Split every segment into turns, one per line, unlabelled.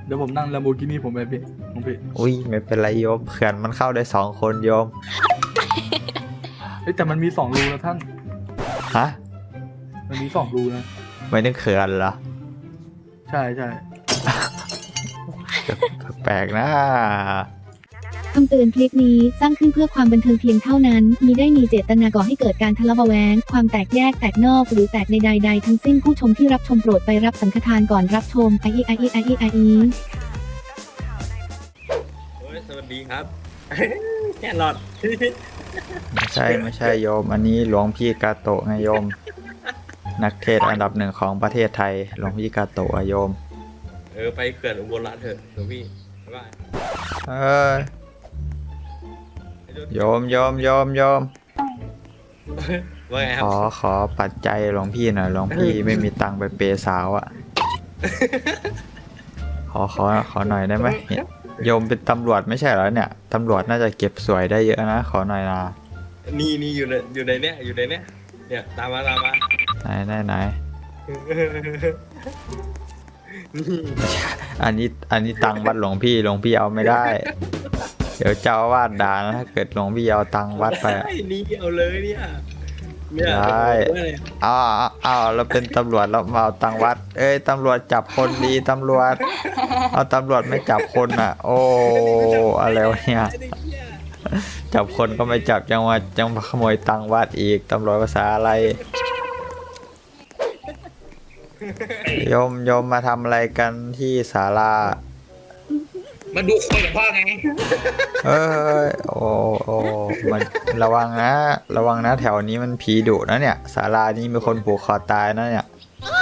เดี๋ยวผมนั่งลัมโบกินี่ผมไปพี่ผมพี่
อุ้ยไม่เป็นไรโยมเขื่อนมันเข้าได้2 คนโยม
เฮ้ยแต่มันมี2 รูนะท่าน
ฮะ
มันมี2 รูนะ
ไม่นึกเขื่อนเหรอ
ใช่ใช่
แปลกนะ
คำเตือนคลิปนี้สร้างขึ้นเพื่อความบันเทิงเพียงเท่านั้นมิได้มีเจตนาก่อให้เกิดการทะเลาะเบาะแว้งความแตกแยกแตกนอกหรือแตกในใดๆทั้งสิ้นผู้ชมที่รับชมโปรดไปรับสังฆทานก่อนรับชมไอไอไอไอไอ
สวัสดีครับ แค่หลอด
ไม่ใช่โยม อันนี้หลวงพี่กาโตะไงโยม นักเทศน์อันดับ1ของประเทศไทยหลวงพี่กาโตะอะโยม
ไปเขื่อนอุบลรัตน์เถอะหลวงพี่บ๊ายบาย
เออโยม
ว่าไงครั
ขอปัจจัยหลวงพี่หน่อยหลวงพี่ไม่มีตังค์ไปเปย์สาวอ่ะ ขอหน่อยได้ไหมเนี่ยโยมเป็นตำรวจไม่ใช่เหรอเนี่ยตำรวจน่าจะเก็บสวยได้เยอะนะขอหน่อยนะ
นี่อยู่ในเนี้ยเนี่ยตามมา
ไหนอันนี้ตังค์วัดหลวงพี่เอาไม่ได้ เดี๋ยวเจ้าอาวาสด่านะถ้าเกิดหลวงพี่เอาตังค์วัดไปอะ
นี่เอาเลยเนี่ย
ได้เอาเราเป็นตำรวจเรามาเอาตังค์วัด เอ้ยตำรวจจับคนดีตำรวจ เอาตำรวจไม่จับคนอ่ะ โอ้อะไรวะเนี่ยจับคนก็ไม่จับจังมาขโมยตังค์วัดอีกตำรวจภาษาอะไรโยมมาทำอะไรกันที่ศาลา
มาดูคนหลวงพ่อไง
เอ้ยโอ้มันระวังนะแถวนี้มันผีดุนะเนี่ยศาลานี้มีคนผูกคอตายนะเนี่ย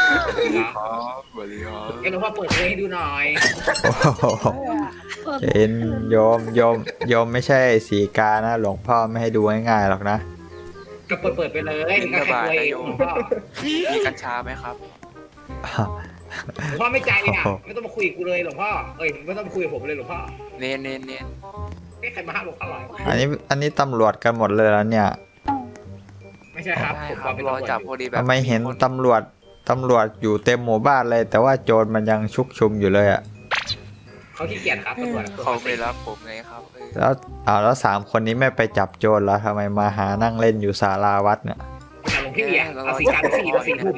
ให้หลวงพ่อเปิดเพลงให้ดูหน่อย
โอ้โหเห็นโยมไม่ใช่สีกานะหลวงพ่อไม่ให้ดูง่ายๆหรอกนะ
ก็เปิดไปเลยก็แค่ตัวเองหลวงพ่อ
มีกัญชาไหมครับ
หลวงพ่อไม่ใจอ่ะไม่ต้องมาคุยกับกูเลยหลวงพ่อไม่ต้องมาคุยกับผมเลยหลวงพ่อ
เนน
ไม่ใครมาห้ามหลวงพ่อหรอ
อันนี้ตำรวจกันหมดเลยแล้วเนี่ย
ไม่ใช่ครับ
ได้
ผม
ครั
เป็น
รอ
ตำรวจ
จับพอดีแบบ
ทำไมเห็นตำรวจอยู่เต็มหมู่บ้านเลย แต่ว่าโจรมันยังชุกชุมอยู่เลยอะ
เขาขี้เกียจครับตำรวจ
เขาไม่รับผมไงครับ
แล้ว3 คนนี้ไม่ไปจับโจรแล้วทำไมมาหานั่งเล่นอยู่ศาลาวัดเนี่ย
หลวงพี่อ่ะเอาสีการสีแล้ว4 ทุ่ม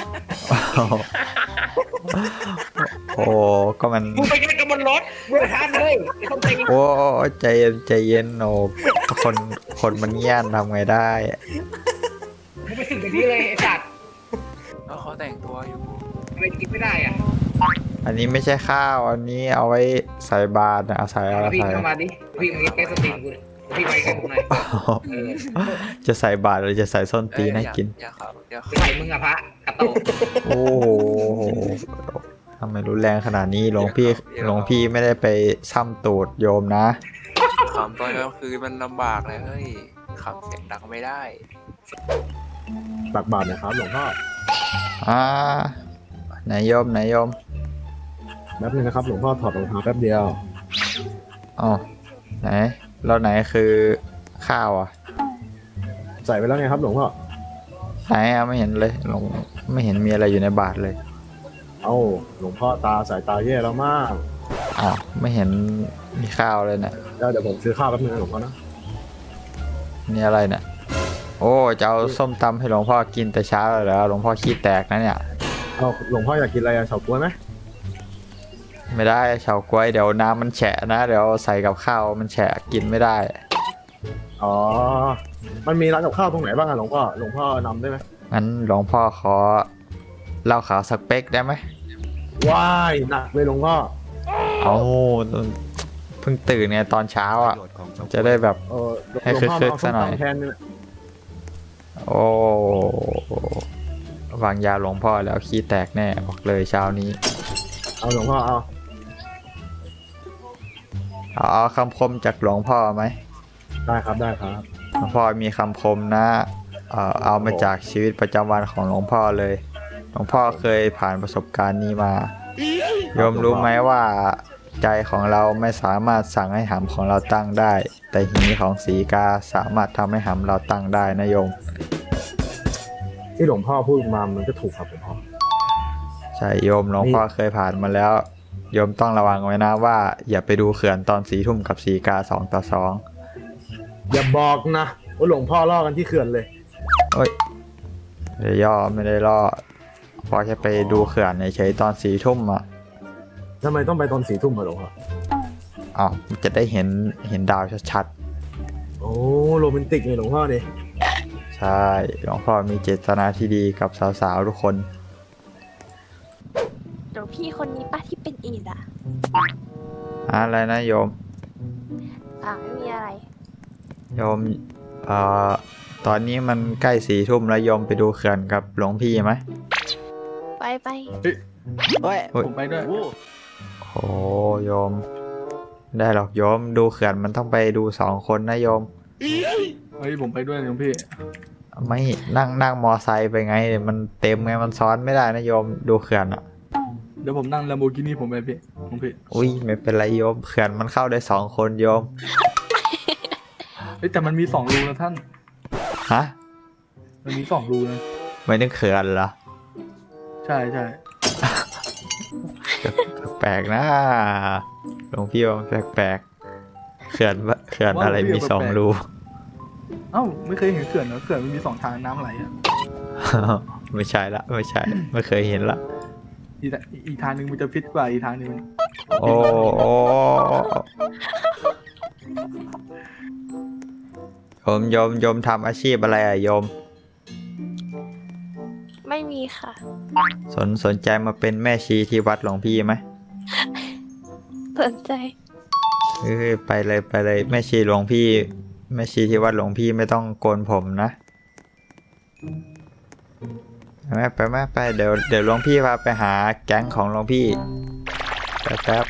โอ้ก็มัน
มึงไปกันกับบนรถมึงไปทานเลยไม่ต้องใจ
โอ้ใจเย็นโอ้คนมันเงี้ยนทำไงได้
มึงไปถึงแบบนี้เลยไอ้สัตว์
แล้วเขาแต่งตัวอยู่
ทำไมกินไม่ได้อ่ะ
อันนี้ไม่ใช่ข้าวอันนี้เอาไว้ใส่บาตรนะเอาใส่อะไร
พี่
ใส่
เข้ามาดิพี่มาใกล้สตรีมกูเลยพี่มาใกล้ผมหน่อย
จะใส่บาตรหรือจะใส่ส้นตีนให้กิน
อย่าครับเดี๋ยว
ใส่มึงอะพระกระโตก
โอ้โหทำไมรุนแรงขนาดนี้หลวงพี่ไม่ได้ไปซ้ำตูดโยมนะ
ขำตอนกลางคืนมันลำบากเลยเฮ้ยขำเสียงดังไม่ได้
ตักบาตรนะครับหลวงพ่อ
อ่าไหนโยม
แป๊บนึงนะครับหลวงพ่อถอดรองเท้าแป๊บเดียว
อ๋อไหนแล้วไหนคือข้าวอ่ะ
ใส่ไปแล้วไงครับหลวงพ่อ
ไหนอ่ะไม่เห็นเลยไม่เห็นมีอะไรอยู่ในบาตรเลย
เอ้าหลวงพ่อสายตาแย่แล้วมาก
อ้าวไม่เห็นมีข้าวเลยเนี่ย
เดี๋ยวผมซื้อข้าวแป๊บนึงนะหลวงพ่อนะ
นี่อะไรเนี่ยโอ้จะเอาส้มตำให้หลวงพ่อกินแต่เช้าเลยเหรอหลวงพ่อขี้แตกนะเนี่ย
เอาหลวงพ่ออยากกินอะไรอะเฉาก๊วยไหม
ไม่ได้เฉาก๊วยเดี๋ยวน้ำมันแฉะนะเดี๋ยวใส่กับข้าวมันแฉะกินไม่ได้
อ๋อ มันมีร้านกับข้าวตรงไหนบ้างอะหลวงพ่อนำได้ไหม
งั้นหลวงพ่อขอเหล้าขาวสักเป๊กได้ไหม
ว้ายหนักเลยหลวงพ่อ
เอาเพิ่งตื่นไงตอนเช้าอ่ะจะได้แบบ ให้
หลวงพ่อ
คึก
เอา
ๆ
ส้
ซะ
ม
หน่อย
ตำแทนนี่แหละ
โอ้วางยาหลวงพ่อแล้วขี้แตกแน่บอกเลยเช้านี้
เอาหลวงพ่อเอา
เอาคำคมจากหลวงพ่อไหม
ได้ครับได้ครับ
หลวงพ่อมีคำคมนะเอามาจากชีวิตประจำวันของหลวงพ่อเลย หลวงพ่อเคยผ่านประสบการณ์นี้มาโยมรู้ไหมว่าใจของเราไม่สามารถสั่งให้หำของเราตั้งได้ แต่หีของสีกาสามารถทำให้หำเราตั้งได้นะโยม
ที่หลวงพ่อพูดมามันก็ถูกครับหลวงพ่อ
ใช่โยมหลวงพ่อเคยผ่านมาแล้วโยมต้องระวังไว้นะว่าอย่าไปดูเขื่อนตอน4 ทุ่มกับสีกา2-2
อย่าบอกนะว่าหลวงพ่อล่อกันที่เขื่อนเลย
เอ้ยไม่ได้ย่อไม่ได้ล่อพอแค่ไปดูเขื่อนเฉยๆตอน4 ทุ่มอ่ะ
ทำไมต้องไปตอน4 ทุ่มอะหลวงพ่อ
อ้าวจะได้เห็นดาวชัด
โอ้โรแมนติกเลยหลวงพ่อเนี่ย
ๆใช่หลวงพ่อมีเจตนาที่ดีกับสาวๆทุกคน
เดี๋ยวพี่คนนี้ป้าที่เป็นอีดอ่ะ
อะไรนะโยม
ไม่มีอะไร
โยมตอนนี้มันใกล้4 ทุ่มแล้วโยมไปดูเขื่อนกับหลวงพี่ไหม
ไป
เฮ้ยผมไปด้วย
โอ้โยม ได้หรอกโยมดูเขื่อนมันต้องไปดู2 คนนะโยม
เฮ้ยผมไปด้วยหลวงพี่
ไม่นั่งมอไซค์ไปไง มันเต็มไงมันซ้อนไม่ได้นะโยมดูเขื่อนอ่ะ
เดี๋ยวผมนั่ง Lamborghini ผมไปพี่หลวงพี่
อุ้ยไม่เป็นไรโยมเขื่อนมันเข้าได้2 คนโยม
เฮ้ยแต่มันมี2 รูนะท่าน
ฮะ
มันมี2 รูนะ
ไม่นึกเขื่อนเหรอ
ใช่ใช่
แปลกๆนะหลวงพี่ว่าแปลกๆเขื่อนอะไรมี2 รู
เอ้าไม่เคยเห็นเขื่อนเหรอเขื่อนมันมี2 ทางน้ำไหลอ่ะ
ไม่ใช่ละไม่ใช่ไม่เคยเห็นละ
อีกทางหนึงมันจะฟิตกว่าอีกทางหนึงมัน
โอ้โยมทำอาชีพอะไรอะโยม
ไม่มีค่ะ
สนใจมาเป็นแม่ชีที่วัดหลวงพี่ไหม
สนใจ
ไปเลยแม่ชีหลวงพี่แม่ชีที่วัดหลวงพี่ไม่ต้องโกนผมนะไปเดี๋ยวหลวงพี่พาไปหาแก๊งของหลวงพี่แป๊บ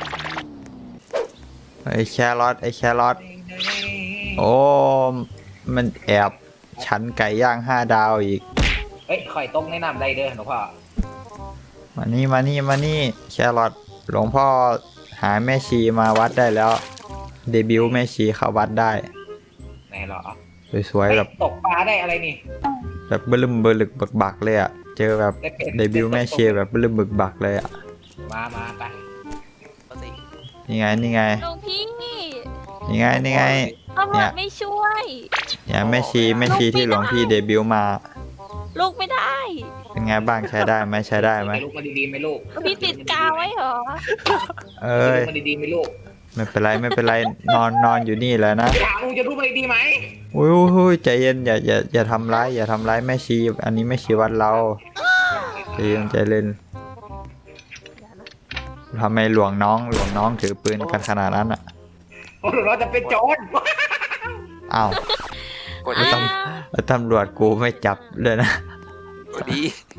ไอ้แครอทโอ้มันแอบชั้นไก่ย่าง5 ดาวอีก
เฮ้ยข่อยต้มแนะนำได้เด้อหลวงพ่อ
มานี่แครอทหลวงพ่อหาแม่ชีมาวัดได้แล้ว เดบิวต์แม่ชีเข้าวัดได้
ไหนเหรอ
สวยๆแบบ
ตกปลาได้อะไรนี่
แบบเบลึมเบลึกบักบักเลยอ่ะเจอแบบเดบิวต์แม่ชีแบบเบลึมบึกบักเลยอ่ะ
มาไป
นี่ไง
หลวงพี่
นี่ไง
ตำรวจไม่ช่วย
เนี่ยแม่ชีที่หลวงพี่เดบิวต์มา
ลูกไม่ได้
เป็นไงบ้างใช้ได้ไหม
ลูกมาดีๆไหมลูก
พี่ติดกาวไว้เหรอ
เอ้ย
ลูกมาดีๆไหมลูก
ไม่เป็นไรนอนอยู่นี่แหละนะ
ถามลูกจะลูกมาดีๆไหม
อุ้ยใจเย็นอย่าทำร้ายแม่ชีอันนี้แม่ชีวัดเราใจเย็นทำไมหลวงน้องถือปืนกันขนาดนั้นอ่ะ
โอ้เราจะเป็นโจร
อ้าว
กดดี
แล้วตำรวจกูไม่จับเลยนะ
กดดี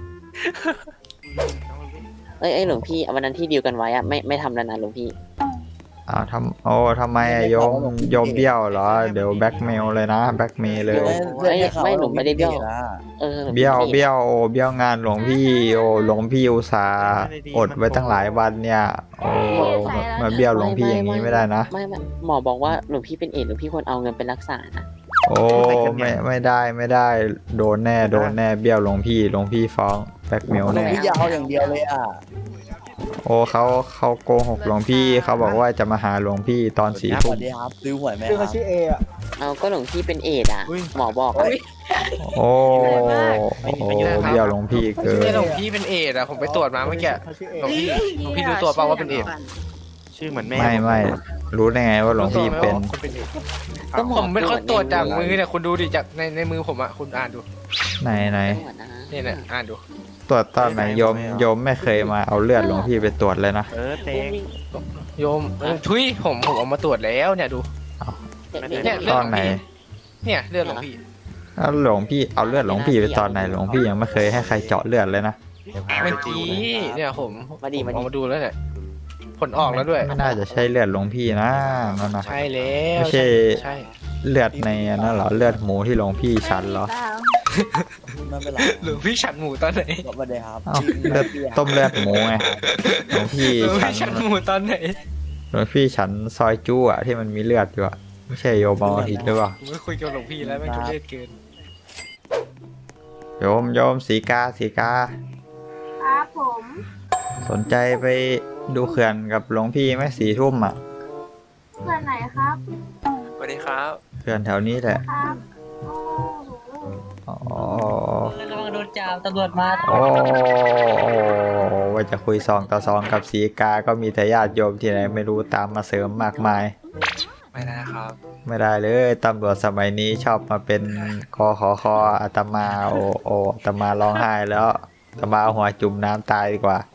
เอ้ยหลวงพี่วันนั้นที่ดีลกันไว้อะไม่ทำแล้วนะหลวงพี่
อ้าวทำไมอะโยมเบี้ยวเหรอเดี๋ยวแบ็กเมลเลยนะแบ็กเมลเลย
ไม่หนูไม่ได้เบี้ยวหลวงพี่
เบี้ยวงานหลวงพี่หลวงพี่อุตส่าห์อดไว้ตั้งหลายวันเนี่ยมาเบี้ยวหลวงพี่อย่างนี้ไม่ได้นะ
ไม่หมอบอกว่าหลวงพี่เป็นเอดส์หลวงพี่ควรเอาเงินไปรักษานะ
โอ้ไม่ได้โดนแน่เบี้ยวหลวงพี่ฟ้องแบ็กเมลแน่
พี่ยาวอย่างเดียวเลยอ่ะ
โอ้เขาโกหกหลวงพี่เขาบอกว่าจะมาหาหลวงพี่ตอน4 ทุ่ม
ซื้อหวยไหม
ชื่อเขาชื่อเออะ
เอาก็หลวงพี่เป็นเอดส์อะหมอบอกอะ
โอ้เบี้ยวหลวงพี่เกิน
นี่หลวงพี่เป็นเอดอ่ะผมไปตรวจมาเมื่อกี้
เขาชื่อเอ
หลวงพี่รู้ตัวเปล่าว่าเป็นเอด
ชื่อเหมือนแม่
ไม่รู้ได้ไงว่าหลวงพี่เป็น
ก็หมอ
ผมเป็นคนตรวจจากมือเนี่ยคุณดูดิจากในมือผมอ่ะคุณอ่านดู
ไหน
ตรวจนะ
เนี่ยอ่านดู
ตรวจตอนไหนโยมไม่เคยมาเอาเลือดหลวงพี่ไปตรวจเลยนะ
เต็ง
โยมทุยผมเอามาตรวจแล้วเนี่ยดู เนี่ย
ตอนไหน
เนี่ยเลือดหลวงพี่
แล้วหลวงพี่เอาเลือดหลวงพี่ไปตอนไหนหลวงพี่ยังไม่เคยให้ใครเจาะเลือดเลยนะ
เมื่อกี้เนี่ยผมเอามาดูแล้วเนี่ยผลออกแล้วด้วย
ไม่น่าจะใช่เลือดหลวงพี่นะนั่นนะ
ใช่แล้ว
ไม่ใช่
ใช่
เลือดในนั่นเหรอเลือดหมูที่หลวงพี่ฉันเหรอ
หลวงพี่ฉันหมูตอนไหน
เอ้าเลือดต้มเลือดหมูไงหลวงพี่
หลวง
ฉั
พี่ฉัน
น
หมูตอนไหน
หลวงพี่ฉันซอยจู้อะที่มันมีเลือดอยู่อะไม่ใช่โยมเอาผิดหรือเปล่า
ผมไม่คุยกับหลวงพี่แล้วไม่ทุเรศเกิน
โยมสีกา
ครับผม
สนใจไปดูเขื่อนกับหลวงพี่ไหม4 ทุ่มอ่ะ
เพื่อนไหนครับ
สวัสดีครับ
เขื่อนแถวนี้แหละ
ครับโอ้โห
อ๋อ
ระวังโดนจับตำรวจมา
โอ้ว่าจะคุย2 ต่อ 2กับสีกาก็มีแต่ญาติโยมที่ไหนไม่รู้ตามมาเสริมมากมาย
ไม่ได้ครับ
ไม่ได้เลยตำรวจสมัยนี้ชอบมาเป็นคออาตมาอาตมาร้องไห้แล้วอาตมาเอาหัวจุ่มน้ำตายดีกว่า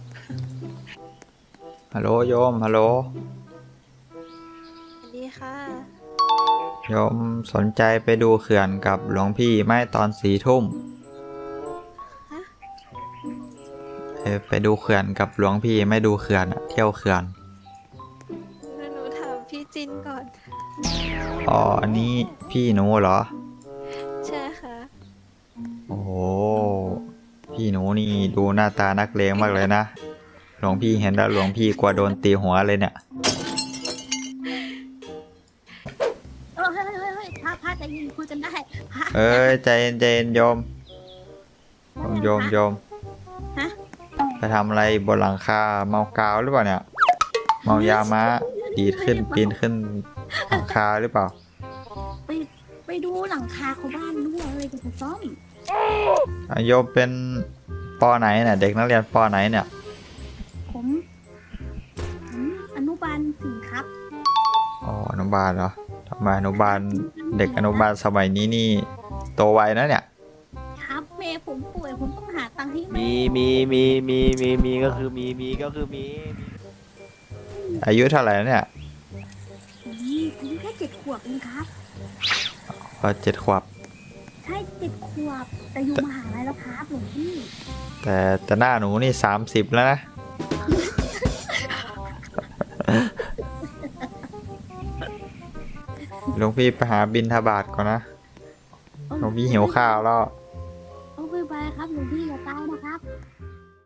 ฮัลโหลโยมฮัลโหล
สวัสดีค่ะ
โยมสนใจไปดูเขื่อนกับหลวงพี่ไหมตอน4 ทุ่มไปดูเขื่อนกับหลวงพี่ไม่ดูเขื่อนอะเที่ยวเขื่อน
หนูถามพี่จินก่อน
อ๋ออันนี้พี่หนูเหรอ
ใช่ค่ะ
โอ้โหพี่หนูนี่ดูหน้าตานักเลงมากเลยนะหลวงพี่เห็นแล้วหลวงพี่กลัวโดนตีหัวเลยเนี่ย
เฮ้ยพระใจเย็นคุยกันได้พระ
เอ้ยใจเย็นโยมโยม
ฮะ
ไปทำอะไรบนหลังคาเมากาวหรือเปล่าเนี่ย เมายาม้าดีดขึ้นปีนขึ้นหลังคาหรือเปล่า
ไปดูหลังคาของบ้านด้วยเลยจะซ่อม
โยมเป็นปอไหนเนี่ยเด็กนักเรียนปอไหนเนี่ย
ผมอนุบาล4ครับ
อ๋ออนุบาลเหรอทำไมอนุบาลเด็กอนุบาลสมัยนี้นี่โตไวนะเนี่ย
ครับแม่ผมป่วยผมต้องหาตังค์ให้แม่
มีก็คือมี
อายุเท่าไหร่แล้วเนี่ย
ผมแค่7 ขวบเองครับ
7 ขวบ
ใช่7 ขวบแต่อยู่มหาลัยแล้วครับหลวงพี่
แต่หน้าหนูนี่30แล้วนะ หลวงพี่ไปหาบิณฑบาตก่อนนะหลวงพี่หิวข้าวแล้ว
เอาไปครับหลวงพี่อย่าตายนะครับ